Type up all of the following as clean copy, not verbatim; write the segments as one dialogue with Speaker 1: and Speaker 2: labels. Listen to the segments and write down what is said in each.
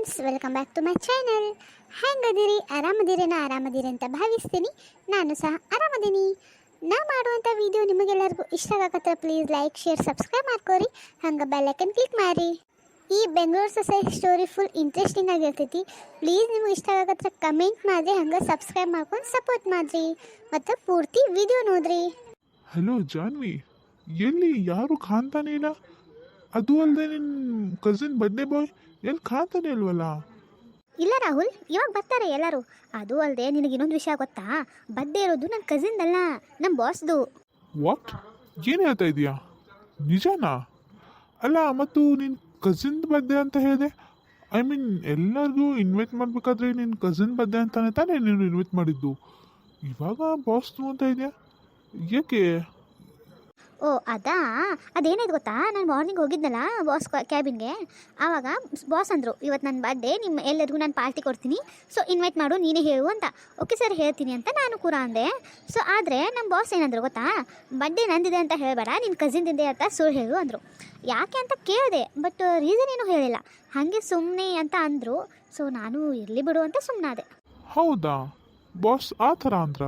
Speaker 1: Friends, welcome back to my channel. ಹೆಂಗದಿರಿ? ಆರಾಮದಿರಿ ಅಂತ ಭಾವಿಸ್ತೀನಿ. ನಾನು ಸಹ ಆರಾಮದೀನಿ. ನಾ ಮಾಡುವಂಥ ವಿಡಿಯೋ ನಿಮಗೆಲ್ಲರಿಗೂ ಇಷ್ಟ ಆಗತ್ತೆ. ಪ್ಲೀಸ್ ಲೈಕ್, ಶೇರ್, ಸಬ್ಸ್ಕ್ರೈಬ್ ಮಾಡ್ಕೋರಿ. ಹಂಗೆ ಬೆಲ್ ಐಕನ್ ಕ್ಲಿಕ್ ಮಾಡಿ. ಈ Bengaluru society story full interesting ಆಗಿರ್ತೈತಿ. ಪ್ಲೀಸ್ ನಿಮಗೆ ಇಷ್ಟ ಆಗತ್ತೆ ಕಮೆಂಟ್ ಮಾಡಿರಿ, ಹಂಗೆ ಸಬ್ಸ್ಕ್ರೈಬ್ ಮಾಡ್ಕೊಂಡು ಸಪೋರ್ಟ್ ಮಾಡಿರಿ ಮತ್ತು ಪೂರ್ತಿ ವಿಡಿಯೋ ನೋಡ್ರಿ.
Speaker 2: ಹಲೋ ಜಾನ್ವಿ, ಎಲ್ಲಿ ಯಾರು ಕಾಣ್ತಾನೆ ಇಲ್ಲ? ಅದು ಅಲ್ಲದೆ ನಿನ್ನ ಕಸಿನ್ ಬರ್ಡೇ ಬಾಯ್ ಎಲ್ಲಿ ಕಾಣ್ತಾನೆ ಇಲ್ವಲ್ಲ?
Speaker 1: ಇಲ್ಲ ರಾಹುಲ್, ಇವಾಗ ಬರ್ತಾರೆ ಎಲ್ಲರೂ. ಅದು ಅಲ್ಲದೆ ನಿನಗೆ ಇನ್ನೊಂದು ವಿಷಯ ಗೊತ್ತಾ? ಬರ್ಡೇ ಇರೋದು ನನ್ನ ಕಸಿನ್ದಲ್ಲ, ನಮ್ಮ ಬಾಸ್ದು.
Speaker 2: ವಾಟ್? ಏನು ಹೇಳ್ತಾ ಇದೀಯಾ? ನಿಜನಾ? ಅಲ್ಲ, ಮತ್ತು ನಿನ್ನ ಕಸಿನ್ ಬರ್ಡೇ ಅಂತ ಹೇಳಿದೆ. ಐ ಮೀನ್ ಎಲ್ಲರಿಗೂ ಇನ್ವೈಟ್ ಮಾಡಬೇಕಾದ್ರೆ ನಿನ್ನ ಕಸಿನ್ ಬರ್ಡೇ ಅಂತಾನೆ ತಾನೇ ನೀನು ಇನ್ವೈಟ್ ಮಾಡಿದ್ದು. ಇವಾಗ ಬಾಸ್ದು ಅಂತ ಇದೆಯಾ? ಏಕೆ?
Speaker 1: ಓ ಅದೇನಾಯ್ತು ಗೊತ್ತಾ? ನಾನು ಮಾರ್ನಿಂಗ್ ಹೋಗಿದ್ನಲ್ಲ ಬಾಸ್ ಕ್ಯಾಬಿನ್ಗೆ. ಆವಾಗ ಬಾಸ್ ಅಂದರು, ಇವತ್ತು ನನ್ನ ಬರ್ಡೇ, ನಿಮ್ಮ ಎಲ್ಲರಿಗೂ ನಾನು ಪಾರ್ಟಿ ಕೊಡ್ತೀನಿ, ಸೊ ಇನ್ವೈಟ್ ಮಾಡು, ನೀನೇ ಹೇಳು ಅಂತ. ಓಕೆ ಸರ್, ಹೇಳ್ತೀನಿ ಅಂತ ನಾನು ಕೂಡ ಅಂದೆ. ಸೊ ಆದರೆ ನಮ್ಮ ಬಾಸ್ ಏನಂದ್ರು ಗೊತ್ತಾ? ಬರ್ಡೇ ನಂದಿದೆ ಅಂತ ಹೇಳಬೇಡ, ನಿನ್ನ ಕಸಿನ್ದಿದೆ ಅಂತ ಸುಳ್ಳು ಹೇಳು ಅಂದರು. ಯಾಕೆ ಅಂತ ಕೇಳಿದೆ, ಬಟ್ ರೀಸನ್ ಏನೂ ಹೇಳಿಲ್ಲ, ಹಾಗೆ ಸುಮ್ಮನೆ ಅಂತ ಅಂದರು. ಸೊ ನಾನು ಇರಲಿ ಬಿಡು ಅಂತ ಸುಮ್ಮನಾದೆ.
Speaker 2: ಹೌದಾ? ಬಾಸ್ ಆ ಥರ ಅಂದ್ರ?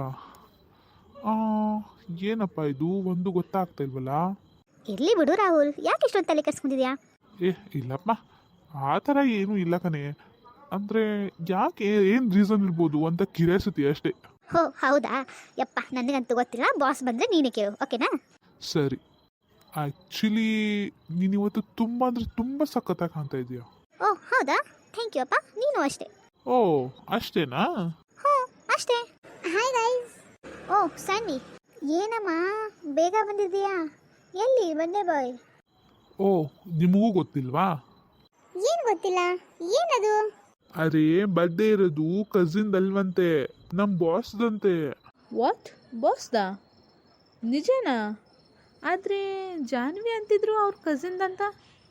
Speaker 2: ಏನಪ್ಪ ಇದು ಒಂದು ಗೊತ್ತಾಗ್ತಾ ಇಲ್ವಲ್ಲ?
Speaker 1: ಇರಲಿ ಬಿಡು ರಾಹುಲ್, ಯಾಕೆ ಇಷ್ಟೊಂದು ತಲೆ ಕೆಡ್ಸ್ಕೊಂಡಿದ್ಯಾ?
Speaker 2: ಇಲ್ಲಪ್ಪ, ಆ ಥರ ಏನೂ ಇಲ್ಲ ಕಣೆ. ಅಂದರೆ ಯಾಕೆ, ಏನು ರೀಸನ್ ಇರ್ಬೋದು ಅಂತ ಕ್ಯೂರಿಯಾಸಿಟಿ ಅಷ್ಟೇ.
Speaker 1: ಹೋ ಹೌದಾ? ಯಪ್ಪ, ನನಗಂತೂ ಗೊತ್ತಿಲ್ಲ. ಬಾಸ್ ಬಂದರೆ ನೀನೇ ಕೇಳು, ಓಕೆನಾ?
Speaker 2: ಸರಿ. ಆ್ಯಕ್ಚುಲಿ ನೀನು ಇವತ್ತು ತುಂಬ ಅಂದರೆ ತುಂಬ ಸಖತ್ತಾಗಿ ಕಾಣ್ತಾ ಇದೆಯಾ.
Speaker 1: ಓ ಹೌದಾ? ಥ್ಯಾಂಕ್ ಯು ಅಪ್ಪ, ನೀನು ಅಷ್ಟೇ.
Speaker 2: ಓ ಅಷ್ಟೇನಾ?
Speaker 1: ಹ್ಞೂ ಅಷ್ಟೇ. Hi guys. ಓ ಸ್ಯಾನ್ವಿ, ಏನಮ್ಮ ಬೇಗ ಬಂದಿದ್ದೀಯಾ? ಎಲ್ಲಿ ಬರ್ಡೇ ಬಾಯ್?
Speaker 2: ಓ ನಿಮಗೂ ಗೊತ್ತಿಲ್ವಾ?
Speaker 1: ಏನು ಗೊತ್ತಿಲ್ಲ, ಏನದು?
Speaker 2: ಅರೇ, ಬರ್ಡೇ ಇರೋದು ಕಸಿನ್ದಲ್ವಂತೆ, ನಮ್ಮ ಬಾಸ್ದಂತೆ.
Speaker 3: ವಾಟ್? ಬಾಸ್ದಾ? ನಿಜನಾ? ಆದರೆ ಜಾನ್ವಿ ಅಂತಿದ್ರು ಅವ್ರ ಕಸಿನ್ದಂತ.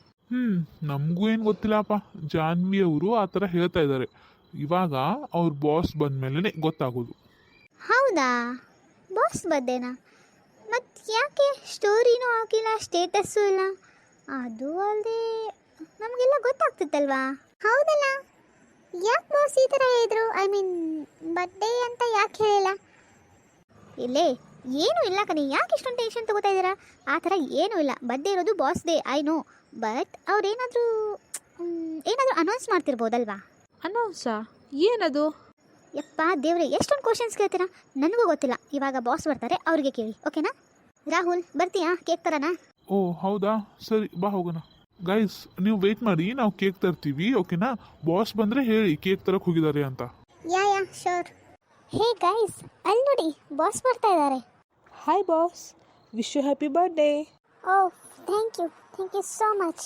Speaker 2: ನಮಗೂ ಏನು ಗೊತ್ತಿಲ್ಲಪ್ಪ. ಜಾನ್ವಿ ಅವರು ಆ ಥರ ಹೇಳ್ತಾ ಇದ್ದಾರೆ. ಇವಾಗ ಅವ್ರ ಬಾಸ್ ಬಂದಮೇಲೆ ಗೊತ್ತಾಗೋದು.
Speaker 1: ಹೌದಾ? ಬಾಸ್ ಬರ್ಡೇನಾ? ಮತ್ತು ಯಾಕೆ ಸ್ಟೋರಿನೂ ಹಾಕಿಲ್ಲ, ಸ್ಟೇಟಸ್ಸು ಇಲ್ಲ? ಅದು ಅಲ್ಲದೆ ನಮಗೆಲ್ಲ ಗೊತ್ತಾಗ್ತಿತ್ತಲ್ವಾ? ಹೌದಲ್ಲ? ಯಾಕೆ ಬಾಸ್ ಈ ಥರ ಹೇಳಿದ್ರು? ಐ ಮೀನ್ ಬರ್ಡೇ ಅಂತ ಯಾಕೆ ಹೇಳಿಲ್ಲ? ಇಲ್ಲೇ ಏನೂ ಇಲ್ಲ ಕಣೆ, ಯಾಕೆ ಇಷ್ಟೊಂದು ಟೆನ್ಷನ್ ತಗೋತಾ ಇದ್ದೀರಾ? ಆ ಥರ ಏನೂ ಇಲ್ಲ. ಬರ್ಡೇ ಇರೋದು boss day, I know. But ಅವ್ರೇನಾದರೂ ಅನೌನ್ಸ್ ಮಾಡ್ತಿರ್ಬೋದಲ್ವಾ?
Speaker 3: ಅನೌನ್ಸಾ? ಏನದು?
Speaker 1: ಯಪ್ಪ ದೇವ್ರೆ, ಎಷ್ಟೊಂದು ಕ್ವಶನ್ಸ್ ಕೇಳ್ತೀರಾ? ನನಗೂ ಗೊತ್ತಿಲ್ಲ. ಇವಾಗ ಬಾಸ್ ಬರ್ತಾರೆ, ಅವ್ರಿಗೆ ಕೇಳಿ, ಓಕೆನಾ? ರಾಹುಲ್ ಬರ್ತೀಯಾ? ಕೇಕ್ ತರನಾ?
Speaker 2: ಓ ಹೌದಾ, ಸರಿ ಬಾ ಹೋಗೋಣ. ಗೈಸ್, ನೀವು ವೆಯ್ಟ್ ಮಾಡಿ, ನಾವು ಕೇಕ್ ತರ್ತೀವಿ, ಓಕೆನಾ? ಬಾಸ್ ಬಂದರೆ ಹೇಳಿ ಕೇಕ್ ತರಕ್ಕೆ ಹೋಗಿದ್ದಾರೆ ಅಂತ.
Speaker 1: Yeah sure. ಹೇ ಗೈಸ್, ಅಲ್ಲಿ ನೋಡಿ, ಬಾಸ್ ಬರ್ತಾ ಇದ್ದಾರೆ.
Speaker 3: Hi boss, wish you happy birthday.
Speaker 1: Oh thank you so much.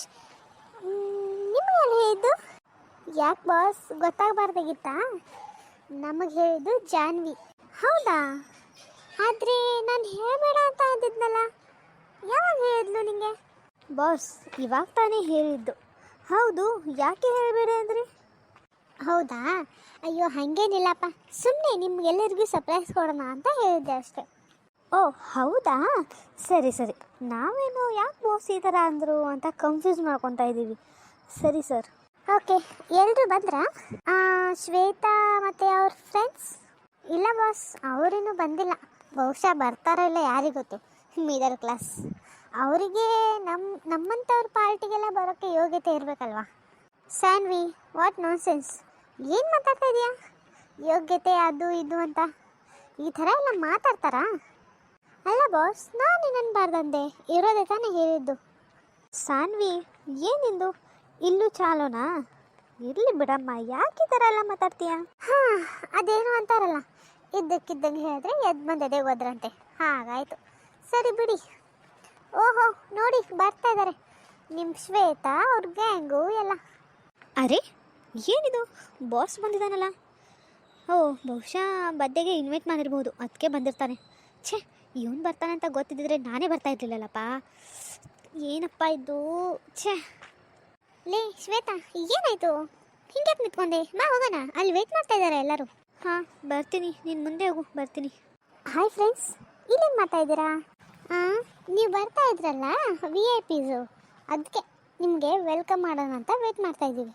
Speaker 1: ನಿಮಗೆ ಯಾರು ಹೇಳಿದ್ದು? ಯಾಕೆ ಬಾಸ್, ಗೊತ್ತಾಗಬಾರ್ದಾಗಿತ್ತಾ? ನಮಗೆ ಹೇಳಿದ್ದು ಜಾನ್ವಿ. ಹೌದಾ? ಆದರೆ ನಾನು ಹೇಳಬೇಡ ಅಂತ ಅಂದಿದ್ನಲ್ಲ, ಯಾವಾಗ ಹೇಳಿದ್ಲು ನಿಮಗೆ? ಬಾಸ್ ಇವಾಗ ತಾನೇ ಹೇಳಿದ್ದು. ಹೌದು, ಯಾಕೆ ಹೇಳಬೇಡ ಅಂದ್ರಿ? ಹೌದಾ? ಅಯ್ಯೋ ಹಾಗೇನಿಲ್ಲಪ್ಪ, ಸುಮ್ಮನೆ ನಿಮ್ಗೆಲ್ಲರಿಗೂ ಸರ್ಪ್ರೈಸ್ ಕೊಡೋಣ ಅಂತ ಹೇಳಿದ್ದೆ ಅಷ್ಟೇ. ಓ ಹೌದಾ? ಸರಿ, ನಾವೇನು ಯಾಕೆ ಬಾಸ್ ಈ ಥರ ಅಂದರು ಅಂತ ಕನ್ಫ್ಯೂಸ್ ಮಾಡ್ಕೊತಾ ಇದ್ದೀವಿ. ಸರಿ ಸರ್. ಓಕೆ, ಎಲ್ಲರೂ ಬಂದ್ರಾ? ಶ್ವೇತಾ ಮತ್ತು ಅವ್ರ ಫ್ರೆಂಡ್ಸ್? ಇಲ್ಲ ಬಾಸ್, ಅವರಿನ್ನೂ ಬಂದಿಲ್ಲ. ಬಹುಶಃ ಬರ್ತಾರೋ ಇಲ್ಲ ಯಾರಿಗೊತ್ತು. ಮಿಡಲ್ ಕ್ಲಾಸ್ ಅವರಿಗೆ ನಮ್ಮಂಥವ್ರ ಪಾರ್ಟಿಗೆಲ್ಲ ಬರೋಕ್ಕೆ ಯೋಗ್ಯತೆ ಇರಬೇಕಲ್ವಾ? ಸ್ಯಾನ್ವಿ, ವಾಟ್ ನಾನ್ಸೆನ್ಸ್? ಏನು ಮಾತಾಡ್ತಾ ಇದೆಯಾ? ಯೋಗ್ಯತೆ ಅದು ಇದು ಅಂತ ಈ ಥರ ಎಲ್ಲ ಮಾತಾಡ್ತಾರಾ? ಅಲ್ಲ ಬಾಸ್, ನಾನು ನನ್ನಬಾರ್ದಂದೆ, ಇರೋದೇ ತಾನೇ ಹೇಳಿದ್ದು. ಸಾನ್ವಿ, ಏನಿಂದು ಇಲ್ಲೂ ಚಾಲೋನಾ? ಇರಲಿ ಬಿಡಮ್ಮ, ಯಾಕೆ ಈ ಥರ ಎಲ್ಲ ಮಾತಾಡ್ತೀಯಾ? ಅದೇನು ಅಂತಾರಲ್ಲ, ಇದ್ದಕ್ಕಿದ್ದಂಗೆ ಹೇಳಿದ್ರೆ ಎದ್ದು ಬಂದದೆ ಹೋದ್ರಂತೆ, ಹಾಗಾಯಿತು. ಸರಿ ಬಿಡಿ. ಓಹೋ ನೋಡಿ, ಬರ್ತಾ ಇದ್ದಾರೆ ನಿಮ್ಮ ಶ್ವೇತಾ ಅವ್ರ ಗ್ಯಾಂಗು ಎಲ್ಲ. ಅರೆ ಏನಿದು, ಬಾಸ್ ಬಂದಿದ್ದಾನಲ್ಲ? ಓ ಬಹುಶಃ ಬರ್ಡೇಗೆ ಇನ್ವೈಟ್ ಮಾಡಿರ್ಬೋದು, ಅದಕ್ಕೆ ಬಂದಿರ್ತಾನೆ. ಛೇ, ಇವನು ಬರ್ತಾನೆ ಅಂತ ಗೊತ್ತಿದ್ದರೆ ನಾನೇ ಬರ್ತಾ ಇರಲಿಲ್ಲಲ್ಲಪ್ಪ. ಏನಪ್ಪ ಇದು, ಛೇ. ಲೇ ಶ್ವೇತಾ, ಏನಾಯಿತು? ಹಿಂಗೆ ನಿಂತ್ಕೊಂಡೆ, ಬಾ ಹೋಗೋಣ, ಅಲ್ಲಿ ವೆಯ್ಟ್ ಮಾಡ್ತಾ ಇದ್ದಾರೆ ಎಲ್ಲರೂ. ಹಾಂ ಬರ್ತೀನಿ, ನೀನು ಮುಂದೆ ಹೋಗು, ಬರ್ತೀನಿ. ಹಾಯ್ ಫ್ರೆಂಡ್ಸ್, ಇಲ್ಲೇನು ಮಾಡ್ತಾ ಇದ್ದೀರಾ? ನೀವು ಬರ್ತಾ ಇದ್ರಲ್ಲ VIP, ಅದಕ್ಕೆ ನಿಮಗೆ ವೆಲ್ಕಮ್ ಮಾಡೋಣ ಅಂತ ವೆಯ್ಟ್ ಮಾಡ್ತಾ ಇದ್ದೀವಿ.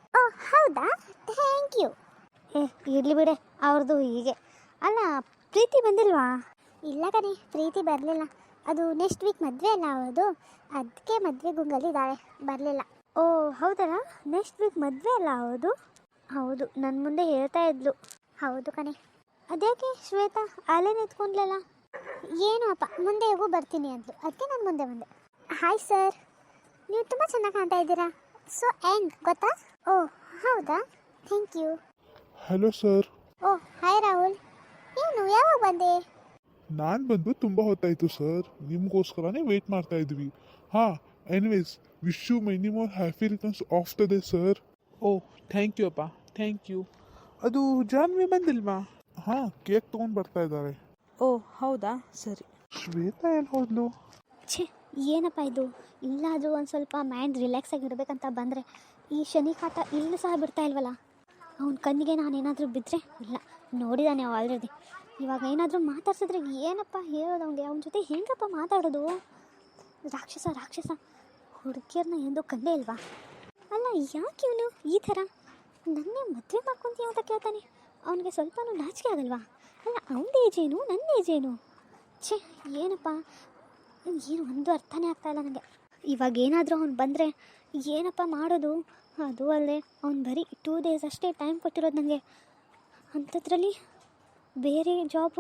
Speaker 1: ಓ ಹೌದಾ, ಥ್ಯಾಂಕ್ ಯು. ಇರಲಿ ಬಿಡೆ, ಅವ್ರದ್ದು ಹೀಗೆ. ಅಲ್ಲ, ಪ್ರೀತಿ ಬಂದಿಲ್ವಾ? ಇಲ್ಲ ಕಣೆ, ಪ್ರೀತಿ ಬರಲಿಲ್ಲ. ಅದು ನೆಕ್ಸ್ಟ್ ವೀಕ್ ಮದುವೆ ಅಲ್ಲ ಅವ್ರದ್ದು, ಅದಕ್ಕೆ ಮದುವೆ ಗುಂಗಲ್ಲಿದ್ದಾಳೆ, ಬರಲಿಲ್ಲ. ಓ ಹೌದಲ್ಲ, ನೆಕ್ಸ್ಟ್ ವೀಕ್ ಮದುವೆ ಅಲ್ಲ ಹೌದು? ಹೌದು, ನನ್ನ ಮುಂದೆ ಹೇಳ್ತಾ ಇದ್ಲು. ಹೌದು ಕಣೆ. ಅದ್ಯಾಕೆ ಶ್ವೇತಾ ಅಲ್ಲೇ ನಿಂತ್ಕೊಂಡ್ಲಲ್ಲ? ಏನೋ ಅಪ್ಪ, ಮುಂದೆ ಹೋಗು ಬರ್ತೀನಿ ಅಂದ್ಲು, ಅದಕ್ಕೆ ನಾನು ಮುಂದೆ ಬಂದೆ. ಹಾಯ್ ಸರ್, ನೀವು ತುಂಬ ಚೆನ್ನಾಗಿ ಕಾಣ್ತಾ ಇದ್ದೀರಾ. ಸೊ ಎಂಡ್ ಗೊತ್ತಾ? ಓ ಹೌದಾ, thank you.
Speaker 2: Hello sir.
Speaker 1: Oh hi Rahul, ಏನು ಯಾವಾಗ ಬಂದೆ?
Speaker 2: ನಾನು ಬಂದು ತುಂಬ ಹೊತ್ತಾಯಿತು ಸರ್, ನಿಮಗೋಸ್ಕರನೇ ವೆಯ್ಟ್ ಮಾಡ್ತಾ ಇದ್ವಿ. ಹಾಂ, anyways wish you many more happy returns of the day sir.
Speaker 4: Oh thank you ಅಪ್ಪ, ಥ್ಯಾಂಕ್ ಯು. ಅದು ಜಾನ್ವಿ ಬಂದಿಲ್ವಾ?
Speaker 2: ಹಾಂ, ಕೇಕ್ ತೊಗೊಂಡು ಬರ್ತಾ ಇದ್ದಾರೆ.
Speaker 3: ಓ ಹೌದಾ, ಸರಿ.
Speaker 2: ಶ್ವೇತಾ ಎಲ್ಲಿ ಹೋದ್ಲು?
Speaker 1: ಛೇ, ಏನಪ್ಪ ಇದು? ಇಲ್ಲಾದರೂ ಒಂದು ಸ್ವಲ್ಪ ಮೈಂಡ್ ರಿಲ್ಯಾಕ್ಸ್ ಆಗಿರ್ಬೇಕಂತ ಬಂದರೆ ಈ ಶನಿ ಕಾಟ ಇಲ್ಲೂ ಸಹ ಬಿಡ್ತಾ ಇಲ್ವಲ್ಲ. ಅವನ ಕಣ್ಣಿಗೆ ನಾನೇನಾದರೂ ಬಿದ್ದರೆ ಇಲ್ಲ, ನೋಡಿದಾನೆ ಅವ ಆಲ್ರೆಡಿ. ಇವಾಗ ಏನಾದರೂ ಮಾತಾಡ್ಸಿದ್ರೆ ಏನಪ್ಪ ಹೇಳೋದು ಅವನಿಗೆ? ಅವನ ಜೊತೆ ಹೆಂಗಪ್ಪ ಮಾತಾಡೋದು? ರಾಕ್ಷಸ ರಾಕ್ಷಸ, ಹುಡುಗಿಯರನ್ನ ಎಂದೂ ಕಂಡೇ ಇಲ್ವಾ? ಅಲ್ಲ, ಯಾಕೆ ಇವನು ಈ ಥರ ನನ್ನೇ ಮದುವೆ ಮಾಡ್ಕೊತೀಯ ಅಂತ ಕೇಳ್ತಾನೆ? ಅವನಿಗೆ ಸ್ವಲ್ಪನೂ ನಾಚಿಕೆ ಆಗಲ್ವಾ? ಅಲ್ಲ, ಅವನ ಏಜೇನು ನನ್ನ ಏಜೇನು? ಛೇ, ಏನಪ್ಪ, ಏನು ಒಂದು ಅರ್ಥನೇ ಆಗ್ತಾಯಿಲ್ಲ ನನಗೆ. ಇವಾಗ ಏನಾದರೂ ಅವ್ನು ಬಂದರೆ ಏನಪ್ಪ ಮಾಡೋದು? ಅದು ಅಲ್ಲದೆ ಅವ್ನು ಬರೀ 2 days ಅಷ್ಟೇ ಟೈಮ್ ಕೊಟ್ಟಿರೋದು ನನಗೆ. ಅಂಥದ್ರಲ್ಲಿ ಬೇರೆ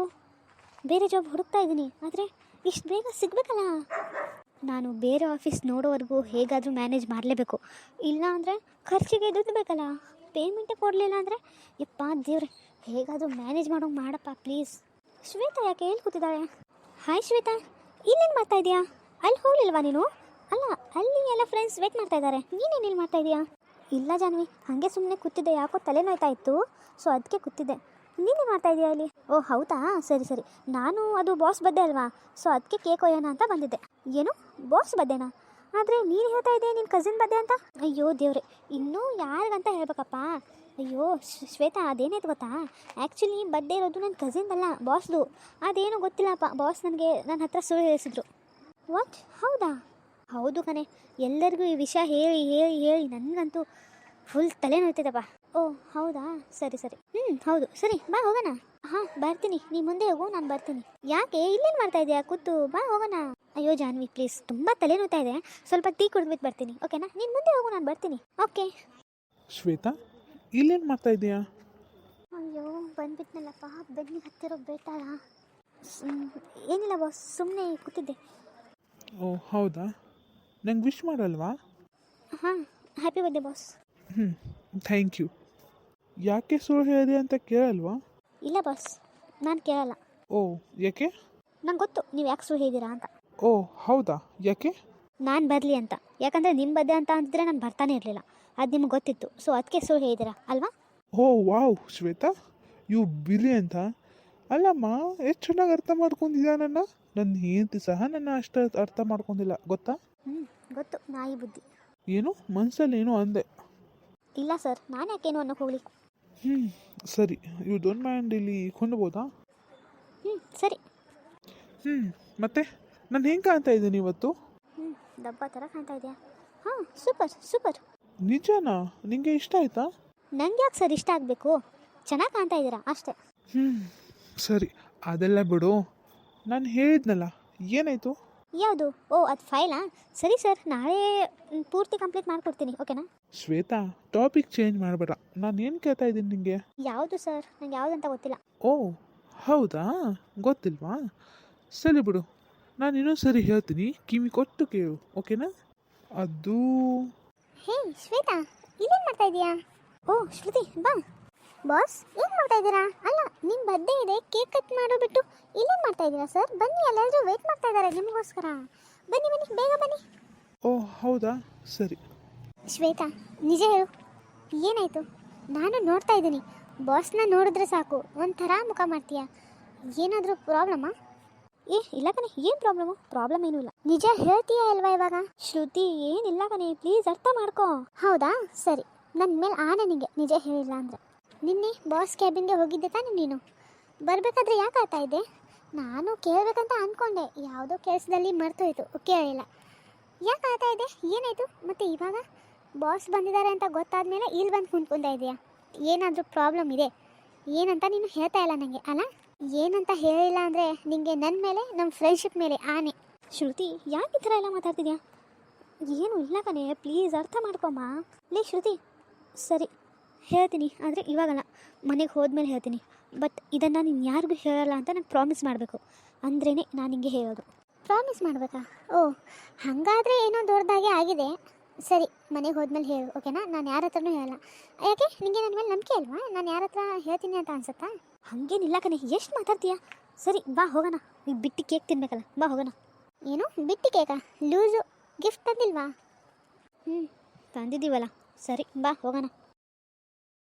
Speaker 1: ಜಾಬ್ ಹುಡುಕ್ತಾ ಇದ್ದೀನಿ, ಆದರೆ ಇಷ್ಟು ಬೇಗ ಸಿಗಬೇಕಲ್ಲ. ನಾನು ಬೇರೆ ಆಫೀಸ್ ನೋಡೋವರೆಗೂ ಹೇಗಾದರೂ ಮ್ಯಾನೇಜ್ ಮಾಡಲೇಬೇಕು. ಇಲ್ಲ ಅಂದರೆ ಖರ್ಚಿಗೆ ದುಡ್ಡು ಬೇಕಲ್ಲ. ಪೇಮೆಂಟೇ ಕೊಡಲಿಲ್ಲ ಅಂದರೆ ಯಪ್ಪ ದೇವ್ರೆ, ಹೇಗಾದರೂ ಮ್ಯಾನೇಜ್ ಮಾಡೋಂಗೆ ಮಾಡಪ್ಪ ಪ್ಲೀಸ್. ಶ್ವೇತಾ ಯಾಕೆ ಎಲ್ಲಿ ಕೂತಿದ್ದಾಳೆ? ಹಾಯ್ ಶ್ವೇತಾ, ಇಲ್ಲೇನು ಮಾಡ್ತಾ ಇದೀಯಾ? ಅಲ್ಲಿ ಹೋಗಲಿಲ್ವಾ ನೀನು? ಅಲ್ಲ, ಅಲ್ಲಿ ಎಲ್ಲ ಫ್ರೆಂಡ್ಸ್ ವೇಟ್ ಮಾಡ್ತಾ ಇದ್ದಾರೆ, ನೀನೇನು ಇಲ್ಲಿ ಮಾಡ್ತಾ ಇದೀಯಾ? ಇಲ್ಲ ಜಾನ್ವಿ, ಹಾಗೆ ಸುಮ್ಮನೆ ಕೂತಿದ್ದೆ, ಯಾಕೋ ತಲೆನೋಯ್ತಾ ಇತ್ತು, ಸೊ ಅದಕ್ಕೆ ಕೂತಿದ್ದೆ. ನೀನೇ ಮಾಡ್ತಾ ಇದೀಯಾ ಅಲ್ಲಿ? ಓ ಹೌದಾ, ಸರಿ ಸರಿ. ನಾನು ಅದು ಬಾಸ್ ಬಡ್ಡೆ ಅಲ್ವಾ, ಸೊ ಅದಕ್ಕೆ ಕೇಕ್ ಒಯ್ಯೋಣ ಅಂತ ಬಂದಿದ್ದೆ. ಏನು ಬಾಸ್ ಬಡ್ಡೆನಾ? ಆದರೆ ನೀನು ಹೇಳ್ತಾ ಇದ್ದೆ ನಿನ್ನ ಕಸಿನ್ ಬಡ್ಡೆ ಅಂತ. ಅಯ್ಯೋ ದೇವ್ರೆ, ಇನ್ನೂ ಯಾರಿಗಂತ ಹೇಳ್ಬೇಕಪ್ಪ? ಅಯ್ಯೋ ಶ್ವೇತಾ, ಅದೇನಾಯ್ತು ಗೊತ್ತಾ? ಆ್ಯಕ್ಚುಲಿ ಬಡ್ಡೆ ಇರೋದು ನನ್ನ ಕಸಿನ್ದಲ್ಲ, ಬಾಸ್ದು. ಅದೇನೋ ಗೊತ್ತಿಲ್ಲಪ್ಪ, ಬಾಸ್ ನನಗೆ ನನ್ನ ಹತ್ರ ಸುಳ್ಳು ಹೇಳಿಸಿದ್ರು. ವಾಟ್, ಹೌದಾ? ಹೌದು ಕಣೆ, ಎಲ್ಲರಿಗೂ ಈ ವಿಷಯ ಹೇಳಿ ಹೇಳಿ ಹೇಳಿ ನನಗಂತೂ ಫುಲ್ ತಲೆನೋಯ್ತದಪ್ಪ. ಓ ಹೌದಾ, ಸರಿ ಸರಿ. ಹೌದು, ಸರಿ ಬಾ ಹೋಗೋಣ. ಹಾಂ ಬರ್ತೀನಿ, ನೀ ಮುಂದೆ ಹೋಗು, ನಾನು ಬರ್ತೀನಿ. ಯಾಕೆ ಇಲ್ಲೇನು ಮಾಡ್ತಾ ಇದೆಯಾ ಕೂತು? ಬಾ ಹೋಗೋಣ. ಅಯ್ಯೋ ಜಾನ್ವಿ ಪ್ಲೀಸ್, ತುಂಬ ತಲೆನೋಯ್ತಾ ಇದೆ, ಸ್ವಲ್ಪ ಟೀ ಕುಡಿದ್ಬಿಟ್ಟು ಬರ್ತೀನಿ, ಓಕೆನಾ? ನೀನು ಮುಂದೆ ಹೋಗು, ನಾನು ಬರ್ತೀನಿ. ಓಕೆ.
Speaker 4: ಶ್ವೇತಾ, ಇಲ್ಲೇನು ಮಾಡ್ತಾ ಇದೀಯಾ?
Speaker 1: ಅಯ್ಯೋ ಬಂದ್ಬಿಟ್ನಲ್ಲಪ್ಪ, ಬೆನ್ನಿಗೆ ಹತ್ತಿರೋ ಬೇಟಾಳ. ಏನಿಲ್ಲ ಬಾಸ್, ಸುಮ್ಮನೆ ಕೂತಿದ್ದೆ.
Speaker 4: ಓ ಹೌದಾ, ನಂಗೆ ವಿಶ್ ಮಾಡಲ್ವಾ?
Speaker 1: ಹಾಂ, happy birthday boss.
Speaker 4: Thank you. ಯಾಕೆ ಸುಳ್ಳು ಹೇಳಿದೆ ಅಂತ ಕೇಳಲ್ವಾ?
Speaker 1: ಇಲ್ಲ ಬಾಸ್, ನಾನು ಕೇಳಲ್ಲ.
Speaker 4: ಓ ಯಾಕೆ?
Speaker 1: ನಂಗೆ ಗೊತ್ತು ನೀವು ಯಾಕೆ ಸುಳ್ಳು ಹೇಳಿದ್ದೀರಾ ಅಂತ.
Speaker 4: ಓ ಹೌದಾ, ಯಾಕೆ?
Speaker 1: ನಾನು ಬರಲಿ ಅಂತ. ಯಾಕಂದರೆ ನಿಮ್ಮ ಬಡ್ಡೆ ಅಂತ ಅಂತಿದ್ರೆ ನಾನು ಬರ್ತಾನೆ ಇರಲಿಲ್ಲ, ಅದು ನಿಮ್ಗೆ ಗೊತ್ತಿತ್ತು, ಸೊ ಅದಕ್ಕೆ ಸುಳ್ಳು ಹೇಳಿದ್ದೀರಾ ಅಲ್ವಾ?
Speaker 4: ಓ ವಾವ್ ಶ್ವೇತಾ, ಯು ಬಿಲಿ ಅಂತ. ಅಲ್ಲಮ್ಮ, ಎಷ್ಟು ಚೆನ್ನಾಗಿ ಅರ್ಥ ಮಾಡ್ಕೊಂಡಿದ್ಯಾ ನನ್ನ ಹೆಂಡತಿ ಸಹ ನನ್ನ ಅಷ್ಟು ಅರ್ಥ ಮಾಡ್ಕೊಂಡಿಲ್ಲ ಗೊತ್ತಾ?
Speaker 1: ಗೊತ್ತು, ನಾಯಿ ಬುದ್ಧಿ.
Speaker 4: ಏನು ಮನಸ್ಸಲ್ಲಿ ಏನೋ ಅಂದೆ.
Speaker 1: ಇಲ್ಲ ಸರ್, ನಾನು ಯಾಕೇನು ಅನ್ನೋಕೆ ಹೋಗಲಿ.
Speaker 4: ಸರಿ, ಇವು ಡೋಂಟ್ ಮೈಂಡ್ ಇಲ್ಲಿ ಕೊಂಡ್ಬೋದಾ?
Speaker 1: ಸರಿ.
Speaker 4: ಮತ್ತೆ ನಾನು ಹೆಂಗೆ ಕಾಣ್ತಾ ಇದ್ದೀನಿ ಇವತ್ತು?
Speaker 1: ಡಬ್ಬ ಥರ ಕಾಣ್ತಾ ಇದೆಯಾ? ಹಾಂ, ಸೂಪರ್ ಸೂಪರ್.
Speaker 4: ನಿಜನಾ? ನಿಂಗೆ ಇಷ್ಟ ಆಯ್ತಾ?
Speaker 1: ನಂಗೆ ಯಾಕೆ ಸರ್ ಇಷ್ಟ ಆಗಬೇಕು? ಚೆನ್ನಾಗಿ ಕಾಣ್ತಾ ಇದ್ದೀರಾ ಅಷ್ಟೇ.
Speaker 4: ಸರಿ, ಅದೆಲ್ಲ ಬಿಡು. ನಾನು ಹೇಳಿದ್ನಲ್ಲ, ಏನಾಯಿತು?
Speaker 1: ಯಾವುದು? ಓ ಅದು ಫೈಲಾ? ಸರಿ ಸರ್, ನಾಳೆ ಪೂರ್ತಿ ಕಂಪ್ಲೀಟ್ ಮಾಡಿಕೊಡ್ತೀನಿ, ಓಕೆನಾ?
Speaker 4: ಶ್ವೇತಾ, ಟಾಪಿಕ್ ಚೇಂಜ್ ಮಾಡಬೇಡ. ನಾನು ಏನು ಕೇಳ್ತಾ ಇದ್ದೀನಿ ನಿಮಗೆ?
Speaker 1: ಯಾವುದು ಸರ್? ನಂಗೆ ಯಾವುದಂತ ಗೊತ್ತಿಲ್ಲ.
Speaker 4: ಓ ಹೌದಾ, ಗೊತ್ತಿಲ್ವಾ? ಸರಿ ಬಿಡು, ನಾನು ಇನ್ನೊಂದು ಸರಿ ಹೇಳ್ತೀನಿ, ಕಿವಿ ಕೊಟ್ಟು ಕೇಳು, ಓಕೆನಾ? ಅದು
Speaker 1: ಹೇ ಶ್ವೇತಾ, ಇಲ್ಲೇನು ಮಾಡ್ತಾ ಇದೀಯಾ? ಓ ಶ್ರುತಿ, ಬಾ. ಬಾಸ್ ಏನು ಮಾಡ್ತಾ ಇದ್ದೀರಾ? ಅಲ್ಲ, ನಿಮ್ಮ ಬರ್ಡೇ ಇದೆ, ಕೇಕ್ ಕಟ್ ಮಾಡೋಬಿಟ್ಟು ಇಲ್ಲೇನು ಮಾಡ್ತಾ ಇದ್ದೀರಾ ಸರ್? ಬನ್ನಿ, ಎಲ್ಲರೂ ವೆಯ್ಟ್ ಮಾಡ್ತಾ ಇದ್ದಾರೆ ನಿಮಗೋಸ್ಕರ. ಬನ್ನಿ ಬನ್ನಿ, ಬೇಗ ಬನ್ನಿ.
Speaker 4: ಓ ಹೌದಾ, ಸರಿ.
Speaker 1: ಶ್ವೇತಾ, ನಿಜ ಹೇಳು, ಏನಾಯಿತು? ನಾನು ನೋಡ್ತಾ ಇದ್ದೀನಿ, ಬಾಸ್ನ ನೋಡಿದ್ರೆ ಸಾಕು ಒಂಥರ ಮುಖ ಮಾಡ್ತೀಯಾ. ಏನಾದರೂ ಪ್ರಾಬ್ಲಮ್ಮಾ? ಇಲ್ಲ ಕಣೆ, ಏನು ಪ್ರಾಬ್ಲಮ್ ಏನೂ ಇಲ್ಲ. ನಿಜ ಹೇಳ್ತೀಯಾ ಅಲ್ವಾ ಇವಾಗ? ಶ್ರುತಿ, ಏನಿಲ್ಲ ಕಣೆ, ಪ್ಲೀಸ್ ಅರ್ಥ ಮಾಡ್ಕೋ. ಹೌದಾ, ಸರಿ, ನನ್ನ ಮೇಲೆ ಆನೆ ನಿಂಗೆ ನಿಜ ಹೇಳಿಲ್ಲ ಅಂದರೆ. ನಿನ್ನೆ ಬಾಸ್ ಕ್ಯಾಬಿನ್ಗೆ ಹೋಗಿದ್ದೆ ತಾನೇ ನೀನು? ಬರಬೇಕಾದ್ರೆ ಯಾಕೆ ಆಗ್ತಾ ಇದ್ದೆ? ನಾನು ಕೇಳಬೇಕಂತ ಅಂದ್ಕೊಂಡೆ, ಯಾವುದೋ ಕೆಲಸದಲ್ಲಿ ಮರ್ತೋಯ್ತು, ಕೇಳಿಲ್ಲ. ಯಾಕೆ ಆಗ್ತಾ ಇದೆ? ಏನಾಯಿತು? ಮತ್ತು ಇವಾಗ ಬಾಸ್ ಬಂದಿದ್ದಾರೆ ಅಂತ ಗೊತ್ತಾದ್ಮೇಲೆ ಇಲ್ಲಿ ಬಂದು ಕುಂತ್ಕೊಂತ ಇದೆಯಾ? ಏನಾದರೂ ಪ್ರಾಬ್ಲಮ್ ಇದೆ ಏನಂತ ನೀನು ಹೇಳ್ತಾ ಇಲ್ಲ ನನಗೆ ಅಲ್ಲ? ಏನಂತ ಹೇಳಿಲ್ಲ ಅಂದರೆ ನಿನಗೆ ನನ್ನ ಮೇಲೆ ನಮ್ಮ ಫ್ರೆಂಡ್ಶಿಪ್ ಮೇಲೆ ಆನೆ. ಶ್ರುತಿ ಯಾಕೆ ಈ ಥರ ಎಲ್ಲ ಮಾತಾಡ್ತಿದ್ಯಾ? ಏನು ಇಲ್ಲ ಕಣೆ, ಪ್ಲೀಸ್ ಅರ್ಥ ಮಾಡ್ಕೊಮ್ಮ. ಲೇ ಶ್ರುತಿ, ಸರಿ ಹೇಳ್ತೀನಿ, ಆದರೆ ಇವಾಗಲ್ಲ, ಮನೆಗೆ ಹೋದ್ಮೇಲೆ ಹೇಳ್ತೀನಿ. ಬಟ್ ಇದನ್ನು ನೀನು ಯಾರಿಗೂ ಹೇಳಲ್ಲ ಅಂತ ನಂಗೆ ಪ್ರಾಮಿಸ್ ಮಾಡಬೇಕು, ಅಂದ್ರೇ ನಾನು ನಿಂಗೆ ಹೇಳೋದು. ಪ್ರಾಮಿಸ್ ಮಾಡಬೇಕಾ? ಓ ಹಾಗಾದರೆ ಏನೋ ದೊಡ್ಡದಾಗೆ ಆಗಿದೆ. ಸರಿ, ಮನೆಗೆ ಹೋದ್ಮೇಲೆ ಹೇಳು, ಓಕೆನಾ? ನಾನು ಯಾರ ಹತ್ರನೂ ಹೇಳಲ್ಲ. ಯಾಕೆ, ನಿನಗೆ ನನ್ನ ಮೇಲೆ ನಂಬಿಕೆ ಅಲ್ವಾ? ನಾನು ಯಾರ ಹತ್ರ ಹೇಳ್ತೀನಿ ಅಂತ ಅನ್ಸುತ್ತಾ? ಹಾಗೇನಿಲ್ಲ ಕಣೆ, ಎಷ್ಟು ಮಾತಾಡ್ತೀಯಾ? ಸರಿ ಬಾ ಹೋಗೋಣ, ಈಗ ಬಿಟ್ಟು ಕೇಕ್ ತಿನ್ಬೇಕಲ್ಲ, ಬಾ ಹೋಗೋಣ. ಏನು ಬಿಟ್ಟು ಕೇಕಾ? Loose gift ತಂದಿಲ್ವಾ? ತಂದಿದ್ದೀವಲ್ಲ, ಸರಿ ಬಾ ಹೋಗೋಣ.